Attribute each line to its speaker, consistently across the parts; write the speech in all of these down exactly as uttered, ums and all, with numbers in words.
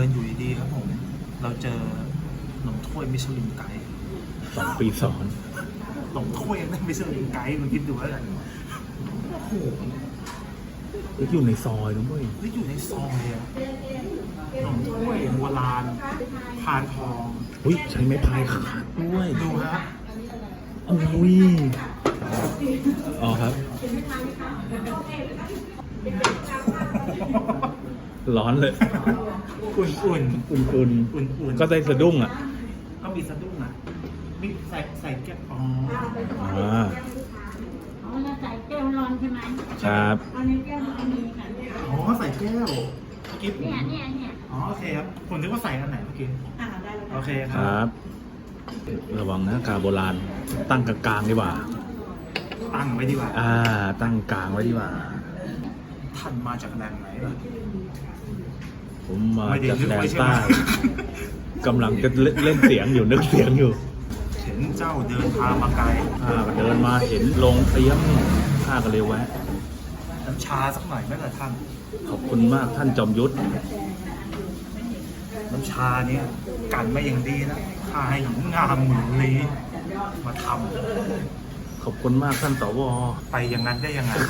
Speaker 1: นอยู่ดีๆครับผมเราเจอขนมถ้วยมิชลินไกด์
Speaker 2: สองปีสอน
Speaker 1: ขนมถ้วยนั่นมิชลินไกด์มันคิดดูแล้วกันโอ้โห
Speaker 2: แล้วอยู่ในซอยนะเว้ย
Speaker 1: แล้วอยู่ในซอยอะขนมถ้วยโบราณพานทอง
Speaker 2: อุ้ยใช้ไม้พายขาดด้วย
Speaker 1: ดูฮะ
Speaker 2: โอ้ยอ๋อครับร้อนเลย
Speaker 1: อุ่นอุ่น
Speaker 2: อุ่นอุ่น
Speaker 1: อุ่นอุ่น
Speaker 2: ก็ได้สะดุ้งอ่ะ
Speaker 1: ก็มีสะดุ้งอ่ะมีใส่ใส่แก้วอ๋อ
Speaker 2: อ๋อ
Speaker 3: อ๋อเราใส่แก้วร้อนใช่ไหม
Speaker 2: ครับ
Speaker 3: อันนี้แก้วร้อนมีค่ะ
Speaker 1: อ๋อใส่แก้วกิ๊บ
Speaker 3: เนี่ยเนี่ยเนี่ย
Speaker 1: อ๋อโอเคครับผมนึกว่าใส่อันไหนเมื่อกี้
Speaker 3: อ่าได้แล้ว
Speaker 1: โอเคค
Speaker 2: รับ ระวังนะกาโบราณตั้งกลางๆดีกว่า
Speaker 1: ตั้งไว้ดีกว่า
Speaker 2: อ่าตั้งกลางไว้ดีกว่า
Speaker 1: ท่านมาจากแหล่งไหนล่ะ
Speaker 2: ผมมาจากแดนใต้กำลังจะเล่นเสียงอยู่นึกเสียงอยู่
Speaker 1: เห็นเจ้าเดินทางมาไกล
Speaker 2: ข้าก็เดินมาเห็นลงเตี้ยมข้าก็เลยแวะ
Speaker 1: น้ำชาสักหน่อยไหมล่ะท่าน
Speaker 2: ขอบคุณมากท่านจอมยุทธ
Speaker 1: น้ำชาเนี่ยกันมาอย่างดีนะข้าให้หญิงงามหมื่นลี้มาท
Speaker 2: ำขอบคุณมากท่านสว
Speaker 1: ไปอย่างนั้นได้ยังไง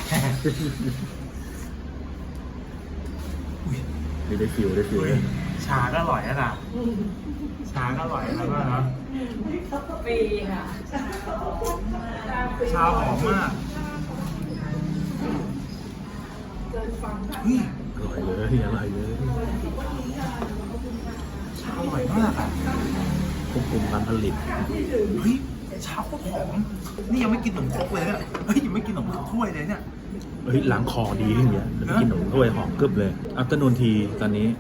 Speaker 2: ได้ฟิวได้ฟิว
Speaker 1: ชาก็อร่อยนะชาก็อร่อยแล้วก็เนาะ
Speaker 3: ปีค่ะ
Speaker 1: ชาหอมมาก
Speaker 2: อร่อยเลยอร่อยเลย
Speaker 1: ชาอร่อยมากอ่ะ
Speaker 2: ควบคุมการผลิต
Speaker 1: เฮ้ยชาโคตรหอมนี่ยังไม่กินขนมครกเลยเนี่ยเฮ้ยยังไม่กินขนมถ้วยเลยเนี่ย
Speaker 2: เฮ้ยล้างคอดีอย่างเงี้ยกินขนมถ้วยหอมกึบเลยอัปเตอร์นูนทีตอนนี้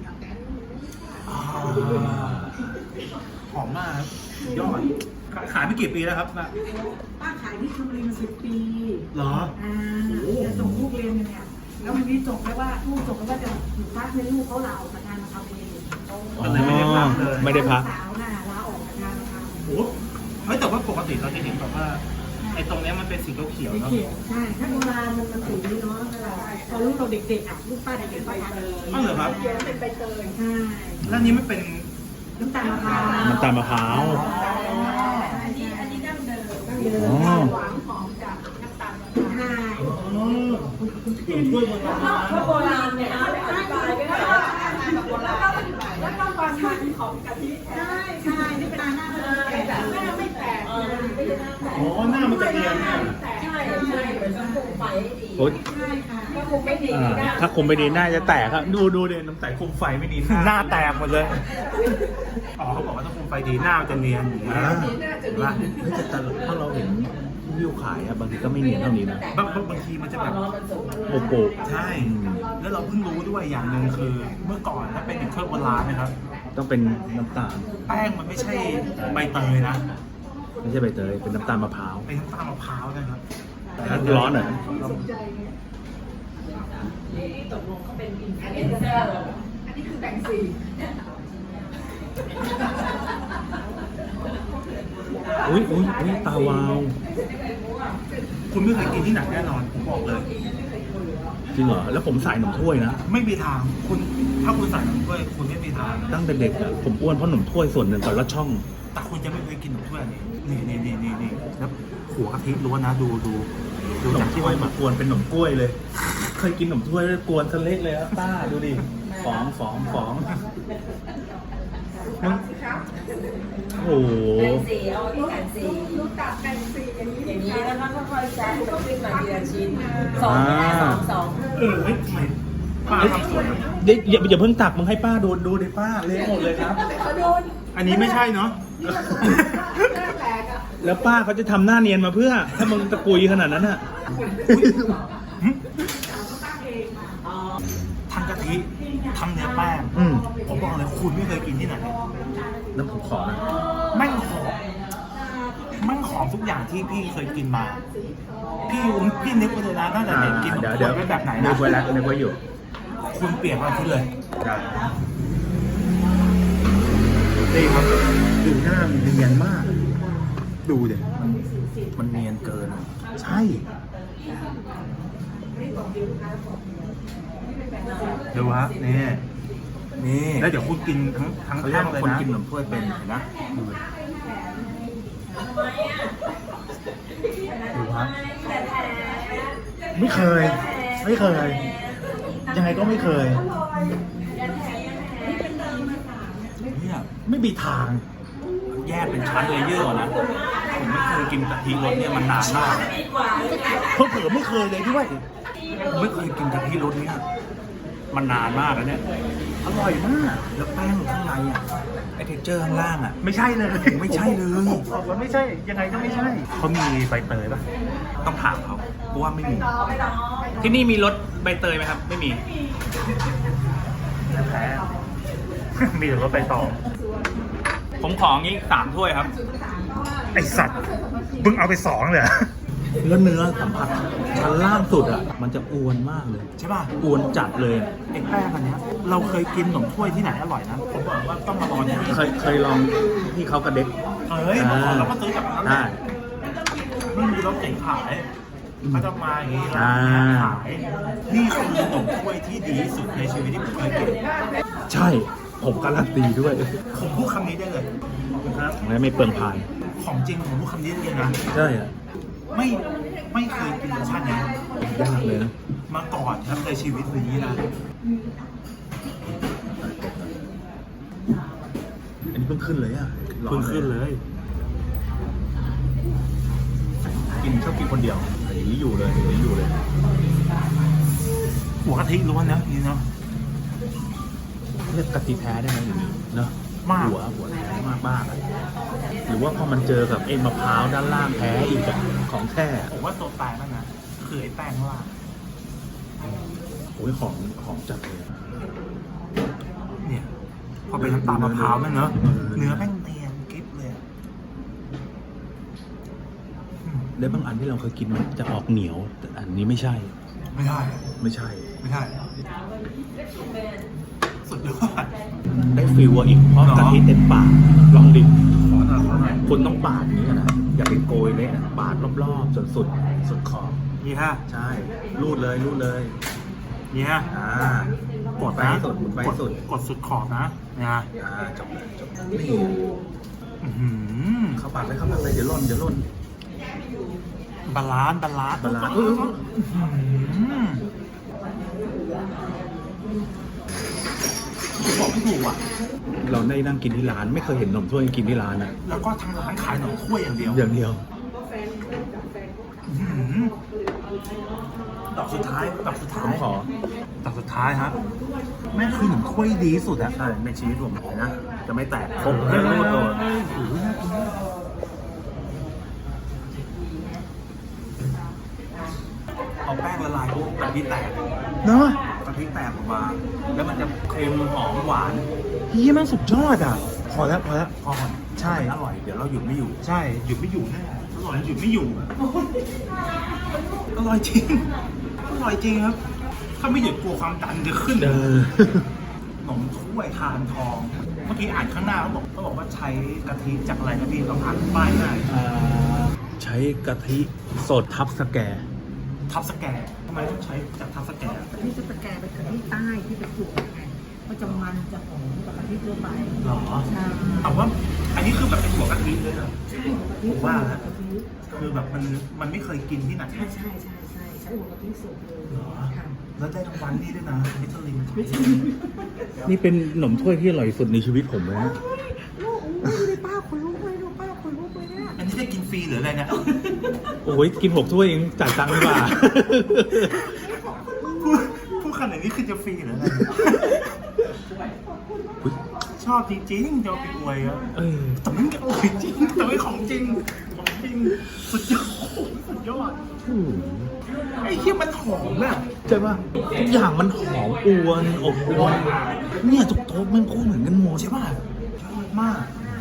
Speaker 1: หอมมากครับยอดขายไม่กี่ปีแล้วครับป้า
Speaker 3: ป้าขายที่ชลบุรีมาสิบปี
Speaker 1: เหรอ
Speaker 3: อ่าจะส่งลูกเรียนเนี่ยแล้ววันนี้จบแล้วว่าลูกจบแล้วว่าจะอยู่พักในลูกเขาลาออกจากงานมาทำเอง
Speaker 1: ก็เลยไม่ได้พักเลย
Speaker 2: ไม่ได้พัก
Speaker 3: สาวน่ะลาออกจากงานมาทำ
Speaker 1: โอ้เฮ้ยแต่ว่าปกติเราจะเห็นแบบว่าไอ้ตรงนี้มันเป็นสีเขียวเนาะ
Speaker 3: ใช่ถ้าโบราณมันมันสีนี้เนาะตอนลูกเราเด็กๆอ่ะลูกป้าเด็กๆป้าทานเลย
Speaker 1: อ๋อเหรอครับ
Speaker 3: เป็นใบเตยใช่
Speaker 1: แล้วนี้ไม่เป็น
Speaker 3: น้ำตาลมะพร้าว
Speaker 2: น้ำตาลมะพร้าว
Speaker 3: อันนี้อันนี้ดั้งเดิมดั้งเดิมหวานหอมจากน้ำตาลมะพร้าว
Speaker 1: ใช่ถ้วยโบราณ
Speaker 3: โบราณเนี่ยอธิบายไม่ได้โบราณแล้วก็ความมันของกะทิใช่ใช่นี่เป็นหน้าเลยแต่หน้าไม่แตก
Speaker 1: อ๋อหน้ามันจะเอียงเนี่ย
Speaker 3: ใช่ใช่เหมือนต้องคุมไฟให้ดีใช่ค่ะถ้าคุมไม่ดี
Speaker 2: ถ้าคุมไม่ดีน่าจะแตกครับดูดูเด่นน้ำใสคุมไฟไม่ดี
Speaker 1: หน้าแตกหมดเลยอ๋อเขาบอกว่าถ้าคุมไฟดีหน้าจะเนียนอยู่นะ
Speaker 2: ว่าแต่ถ้าเราเห็นวิวขายอะบางทีก็ไม่เนียนเท่านี้นะ
Speaker 1: บางบางทีมันจะแบบ
Speaker 2: โปโป
Speaker 1: ใช่แล้วเราเพิ่งรู้ด้วยอย่างหนึ่งคือเมื่อก่อนถ้าเป็นเครื่องโบราณนะครับ
Speaker 2: ต้องเป็นน้ำตาล
Speaker 1: แป้งมันไม่ใช่ใบเตยนะ
Speaker 2: ไม่ใช่ใบเตยเป็นน้ำตาลมะพร้าว
Speaker 1: เป็นน้ำตาลมะพร้าวนะครับ
Speaker 2: ร้อนหน่อย
Speaker 3: ตกลงเขาเป็นอินฟลูเอนเซอร์อันนี้คือแบ่งสี
Speaker 2: อุ้ยอุ้ยอุ้ยตาวาว
Speaker 1: คุณไม่เคยกินที่ไหนแน่นอนผมบอกเลย
Speaker 2: จริงเหรอแล้วผมใส่ขนมถ้วยนะ
Speaker 1: ไม่มีทางคุณถ้าคุณใส่ขนมถ้วยคุณไม่มีทาง
Speaker 2: ตั้งแต่เด็กอะผมอ้วนเพราะขนมถ้วยส่วนหนึ่งกับละช่อง
Speaker 1: แต่คุณจะไม่เคยกินขนมถ้วยนี่นี่นี่นี่นี่แล้วหัวกะทิล้วนนะดูดู
Speaker 2: ดูจากที่ไว้มากวนเป็นขนมกล้วยเลยเคยกินขนมถ้วยกวนซะเล็กเลยอะป้าดูดิฟองฟองฟองโอ้โห
Speaker 3: แบ่งสีเอาที่แบ่งสีลูกตัดแบ่งสีอย่างนี้อย่างนี้แล้วก็ค่อยๆแซะก็ขึ้นมาทีละชิ้นสองสองสอง
Speaker 1: เออเฮ้ยทำไมป้าทำสวย
Speaker 2: เด็กอย่าอย่าเพิ่งตักมึงให้ป้าดูดูดิป้าเละหมดเลยครับ
Speaker 1: อันนี้ไม่ใช่เนาะ
Speaker 2: แล้วป้าเขาจะทำหน้าเนียนมาเพื่อถ้ามึงตะกุยขนาดนั้นอะ
Speaker 1: ทำกะทิทำเนื้อแป้งผมบอกเลยคุณไม่เคยกินที่ไหน
Speaker 2: น้ำผมขอนะ
Speaker 1: แม่งหอมแม่งหอมทุกอย่างที่พี่เคยกินมาพี่พี่นึกไปเลยนะตั้งแต่เด็กกิน
Speaker 2: เดี๋ยวเดี๋ยว
Speaker 1: แบบไหนนะ
Speaker 2: นึกไว้แล้วนึกไว้อยู่
Speaker 1: คุณเปลี่ยนมาขึ้นเลย
Speaker 2: นี่ครับดูหน้ามันเนียนมากดูเดี๋ยมันเนียนเกินใช่
Speaker 1: ดูฮะนี่
Speaker 2: นี่
Speaker 1: แล้วเดี๋ยวคุณกินทั้งทั้ง
Speaker 2: เขาเรีย
Speaker 1: แท่
Speaker 2: ก
Speaker 1: ง
Speaker 2: ว่า
Speaker 1: เลย
Speaker 2: คน
Speaker 1: นะ
Speaker 2: กินขนมถ้วยเป็นเห็นนะดูดูครับไม่เคย ไม่เคย ยังไงก็ไม่เคย
Speaker 1: เนี่ย
Speaker 2: ไม่มีทาง
Speaker 1: แยกเป็นชั้นเลเยอร์นะผมไม่เคยกินกะทิรสเนี่ยมันนานมาก
Speaker 2: เพราะเผื่อไม่เคยเลยด้วย
Speaker 1: ผมไม่เคยกินกะทิรสเนี่ยมันนานมากแล้วเนี่ย
Speaker 2: อร่อยมาก
Speaker 1: แล้วแป้งข้างในอ่ะไอเทคเจอร์ข้างล่างอ่ะ
Speaker 2: ไม่ใช่เลย
Speaker 1: ไม่ใช่เลย
Speaker 2: บอกว่าไม่ใช่ ยังไงก็ไม่ใช่
Speaker 1: เขามีใบเตยป่ะต้องถามเขาเพราะว่าไม่มี ที่นี่มีรสใบเตยไหมครับ ไม่มี
Speaker 2: แพ้ มีแต่ว่าไปต่อ
Speaker 1: ผมของี้สามถ้วยครับ
Speaker 2: ไอสัตว์มึงเอาไปสองเลยเหรอ
Speaker 1: แล้วเนื้อสัมผัสชั้นล่างสุดอ่ะ มันจะอวนมากเลย ใช่ป่ะอวนจัดเลยไอ้แป้งอันเนี้ยเราเคยกินขนมถ้วยที่ไหนอร่อยนะผมบอกว่าต้องมาลองที่นี่
Speaker 2: เคยเคยลองที่เขากระเด็ก
Speaker 1: เฮ้ยมาก่อนเราก็ซื้อจากนั้นแห
Speaker 2: ได้
Speaker 1: ละนี่มีรถเก๋งขายเขาจะมาอย่างนี้แล้ว
Speaker 2: อ่า
Speaker 1: ขายนี่คือขนมถ้วยที่ดีที่สุดในชีวิตที่ผมเคยกิน
Speaker 2: ใช่ ผมการันตีด้วย
Speaker 1: ผมพูดคำนี้ได้เลยครับ
Speaker 2: และไม่เปลืองพาน
Speaker 1: ของจริงผมพูดคำนี้ได้เลยนะ
Speaker 2: ใช่อะ
Speaker 1: ไม่ไม่เคยกินรสชาตินี้
Speaker 2: ยากเลยนะ
Speaker 1: มาก่อนครับในชีวิตนี้นะ
Speaker 2: อันนี้เพิ่งขึ้นเลยอ่ะ
Speaker 1: เพิ่งขึ้นเลย
Speaker 2: กินชอบกินคนเดียวอย่างนี้อยู่เลยอย่างนี้อยู่เลย
Speaker 1: หัวกะทิล้วนนะนี่เนาะ
Speaker 2: เรียกกะทิแท้ได้ไหมอย่างนี้เนอะ
Speaker 1: มาก
Speaker 2: หัวหัวแท้มากมากๆอะหรือว่าพอมันเจอกับไอ้มะพร้าวด้านล่างแท้อีกอะของแท้
Speaker 1: ผมว่าตัวแปรนั่นนะคือไอ้แป้งข้างล่าง
Speaker 2: โอ้ยของของจัดเลยอะ
Speaker 1: เนี่ย พอเป็นน้ำตาลมะพร้าวนั่นเนอะเนื้อแป้งเนียนกริบเลยอะอืม
Speaker 2: แล้วบางอันที่เราเคยกินมันจะออกเหนียวแต่อันนี้ไม่ใช่
Speaker 1: ไม่ได้
Speaker 2: ไม่ใช่
Speaker 1: ไม่ได้สุดยอด
Speaker 2: ได้ฟิลอะอีกเพราะ
Speaker 1: เหรอ
Speaker 2: กะทิเต็มปากลองดิ
Speaker 1: ขอหน่อยขอหน่อย
Speaker 2: คุณต้องปาดอย่างนี้นะอย่าไปโกยเลยนะปาดรอบๆจนสุดสุดขอบ
Speaker 1: นี่ฮะ
Speaker 2: ใช่รูดเลยรูดเลย
Speaker 1: นี่ฮะ
Speaker 2: อ่าก
Speaker 1: ด
Speaker 2: ไป
Speaker 1: นะ
Speaker 2: ให้สุดไปให้สุด
Speaker 1: กดสุดขอบนะนะ
Speaker 2: อ่าจบเลยจบนี่
Speaker 1: อื้อหือ
Speaker 2: เข้าปากเลยเข้าปากเลยเดี๋ยวล่นเดี๋ยวล่น
Speaker 1: บาลานซ์บาลานซ์
Speaker 2: บาลานซ์
Speaker 1: อื้อหือบอกไม่ถูกอ่ะ
Speaker 2: เราได้นั่งกินที่ร้านไม่เคยเห็นนมถ้วยกินที่ร้านอ่ะ
Speaker 1: แล้วก็ทางร้านขายหนมถ้วยอย่างเดียว
Speaker 2: อย่างเดียว
Speaker 1: อื้อหือดอกสุดท้ายดอกสุด
Speaker 2: ผ
Speaker 1: ท้าม ย
Speaker 2: ขอ
Speaker 1: ดอกสุดท้ายครับแม่งคือหนมถ้วยดีที่สุดอ่ะ
Speaker 2: ใช่ในชีวิตผมเลยนะจะไม่แตกครบไม่รูดตัว
Speaker 1: โอ้โหน่ากินมากเอาแป้งละลายปุ๊บกะทิแตก
Speaker 2: เนาะ
Speaker 1: กะทิแตกออกมา แล้วมันจะเค็มหอมหวาน
Speaker 2: เฮียมันสุดยอดอ่ะพอแล้วพอแล้ว
Speaker 1: พอมัน
Speaker 2: ใช่
Speaker 1: มันอร่อย เดี๋ยวเราหยุดไม่อยู่
Speaker 2: ใช่
Speaker 1: หยุดไม่อยู่แน่อร่อยหยุดไม่อยู่ อร่อยจริง อร่อยจริงครับ ถ้าไม่หยุดกลัวความดันจะขึ้น
Speaker 2: เออ
Speaker 1: ขนมถ้วยทานทอง เมื่อกี้อ่านข้างหน้าเขาบอกเขาบอกว่าใช้กะทิจากอะไรนะพี่ลองอ่านป้ายหน่อย
Speaker 2: อ่าใช้กะทิสดทับสแกร์
Speaker 1: ทับสแกร์ทำไมต้องใช้จากทับสแกร์
Speaker 3: กะทิสแกนเป็นกะทิใต้ที่เป็นถั่วไงมันจะมันจะหอมกว่ากะทิทั่วไป
Speaker 1: หรอ
Speaker 3: ใช่
Speaker 1: แต่ว่าอันนี้คือแบบเป็นหัวกะทิเลยเหรอ
Speaker 3: ใช่หัวกะทิ
Speaker 1: ผมว่าแล้ว
Speaker 3: กะทิ
Speaker 1: คือแบบมันมันไม่เคยกินที่ไหน
Speaker 3: ใช่ใช่ใช่ใช่ใช้หัวกะทิสดเลย
Speaker 1: เหรอ
Speaker 3: ค่ะ
Speaker 1: แล้วได้รางวัลนี่ด้วยนะมิชลิน
Speaker 2: นี่เป็นขนมถ้วยที่อร่อยสุดในชีวิตผมเลยนะ
Speaker 3: ลูกอุ้ยป้าขนลุกเลยลูกป้าขนลุกเลยเนี่ย
Speaker 1: อันนี้ได้กินฟรีหรืออะไรเนี่ย
Speaker 2: โอ้ยกินหกถ้วยเองจ่ายตังค์ดีกว่า
Speaker 1: พูดพูดขนาดนี้คือจะฟรีหรืออะไร
Speaker 2: อุ๊ย
Speaker 1: ชอบจริงๆจะเอาไปอวยอะ
Speaker 2: เออ
Speaker 1: แต่มันก็อร่อยจริงแต่ไม่ของจริงของจริงสุดยอดสุดยอด
Speaker 2: อืม
Speaker 1: ไอ้เหี้ยมันหอมอะ
Speaker 2: ใช่ป่ะทุกอย่างมันหอมอวนอบอวนเนี่ยทุกโต๊ะมันพูดเหมือนกันหมด
Speaker 1: ใช่ป่ะยอดมาก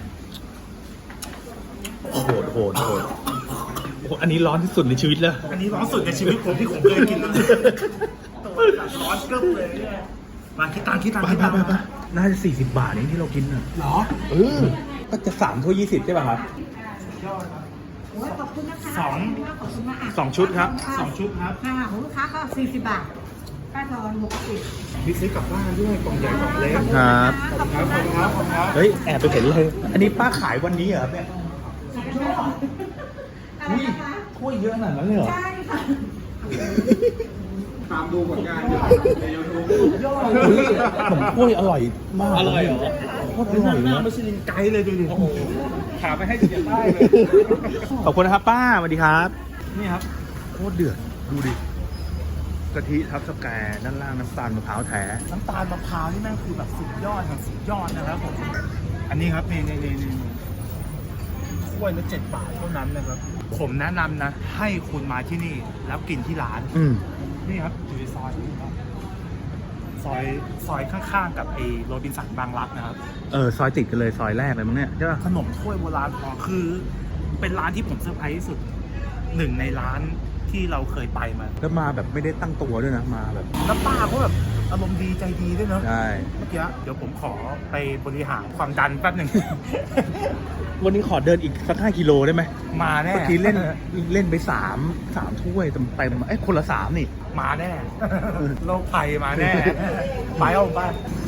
Speaker 2: โหดโหดโหดโอ้โหอันนี้ร้อนที่สุดในชีวิตแล้ว
Speaker 1: อันนี้ร้อนสุดในชีวิตผมที่ผมเคยกินเลยร้อนเกิบเลยเนี่ยมาคิดตังค์คิดตังค์
Speaker 2: ไป
Speaker 1: คิด
Speaker 2: ไป
Speaker 1: ตังค์
Speaker 2: ไปไปน่าจะสี่สิบบาทเองที่เรากินอ่ะ
Speaker 1: เหรอ
Speaker 2: เออ ก็จะสามถ้วยยี่สิบใช่ป่ะครับ
Speaker 1: ยอดครับ
Speaker 3: โอ้ยขอบคุณนะคะ
Speaker 1: สอง
Speaker 3: ขอบคุณมากะ
Speaker 2: สองชุดครับ
Speaker 1: สองชุดครับ
Speaker 3: ค่ะของลูกค้าก็สี่สิบบาทป้าทอนหกสิบ
Speaker 2: มีซื้อกลับบ้านด้วยกล่องใหญ่กล่องเล็ก
Speaker 1: ครับ
Speaker 2: ขอบคุณครับขอบคุณครับ
Speaker 1: เฮ้ยแอบไปเห็นเลย อันนี้ป้าขายวันนี้เหรอครับเนี่ย
Speaker 3: อะไรนะคะ
Speaker 1: ถ้วยเยอะขนาดนั้นเลยเหรอ
Speaker 3: ใช่ค่ะ
Speaker 2: ตามดูผลงานอยู่ในยูทูบ
Speaker 1: เฮ้ยขนมถ้วยอร่อยมาก
Speaker 2: อร่อยเหรอ
Speaker 1: โคตรอร่อย
Speaker 2: หน้า
Speaker 1: นะ
Speaker 2: มิชลินไกด์เลยดูดิโอ้โหขาไปให้ถึงจะได้เลย
Speaker 1: ขอบคุณนะครับป้าสวัสดีครับ
Speaker 2: นี่ครับ
Speaker 1: โคตรเดือด ดูดิ กะทิทับสแกร์ด้านล่างน้ำตาลมะพร้าวแท้
Speaker 2: น้ำตาลมะพร้าวนี่แม่งคือแบบสุดยอดของสุดยอดนะครับผม อันนี้ครับนี่นี่นี่นี่ถ้วยละเจ็ดบาทเท่านั้นนะครับ ผมแนะนำนะ ให้คุณมาที่นี่แล้วกินที่ร้าน
Speaker 1: อืม
Speaker 2: นี่ครับอยู่ในซอยนี้ครับซอยซอยข้างๆกับไอ้โรบินสันบางรักนะครับ
Speaker 1: เออ ซอยติดกันเลย ซอยแรกเลยมั้งเนี่ยใช่ป่ะ
Speaker 2: ขนมถ้วยโบราณพอคือ เป็นร้านที่ผมเซอร์ไพรส์ที่สุดหนึ่งในร้านที่เราเคยไปมา
Speaker 1: แล้วมาแบบไม่ได้ตั้งตัวด้วยนะ มาแบบ
Speaker 2: แล้วป้าเขาแบบอารมณ์ดีใจดีด้วยเนาะ
Speaker 1: ใช่
Speaker 2: เมื่อกี้เดี๋ยวผมขอไปบริหารความดันแป๊บหนึ่ง
Speaker 1: วันนี้ขอเดินอีกสักห้ากิโลได้ไหม
Speaker 2: มาแน่
Speaker 1: เมื่อกี้เล่นเล่นไปสามสามถ้วยเต็มเต็มๆเอ้ยคนละสามนี่
Speaker 2: มาแน่ โรคภัยมาแน่ ไปเอาไป